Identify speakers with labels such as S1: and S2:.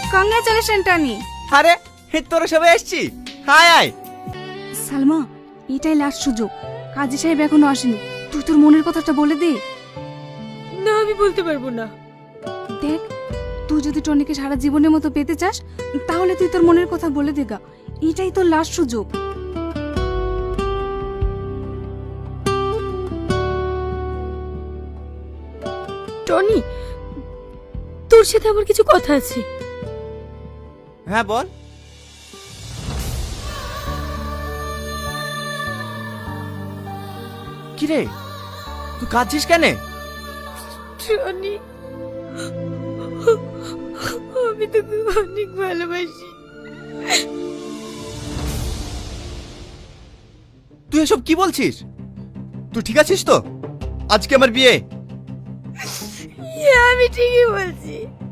S1: Congratulation Tony.
S2: আরে তোরা সবাই এসছি, হায় আয়।
S1: সালমা, এটাই লাস্ট সুযোগ। কাজী সাহেব এখনো আসেনি, তুই তোর মনের কথাটা বলে দে।
S3: না, আমি বলতে পারবো না।
S1: দেখ, তুই যদি টনিকে সারা জীবনের মতো পেতে চাস তাহলে তুই তোর মনের কথা বলে দে গা, এটাই তোর লাস্ট সুযোগ।
S3: টনি, তোর সাথে আমার কিছু কথা আছে।
S2: হ্যাঁ বল। কিরে, তুই কাঁদছিস কেন?
S3: টনি, আমি তোকে অনেক ভালোবাসি।
S2: তুই এসব কি বলছিস? তুই ঠিক আছিস তো? আজকে আমার বিয়ে।
S3: আমি ঠিকই বলছি।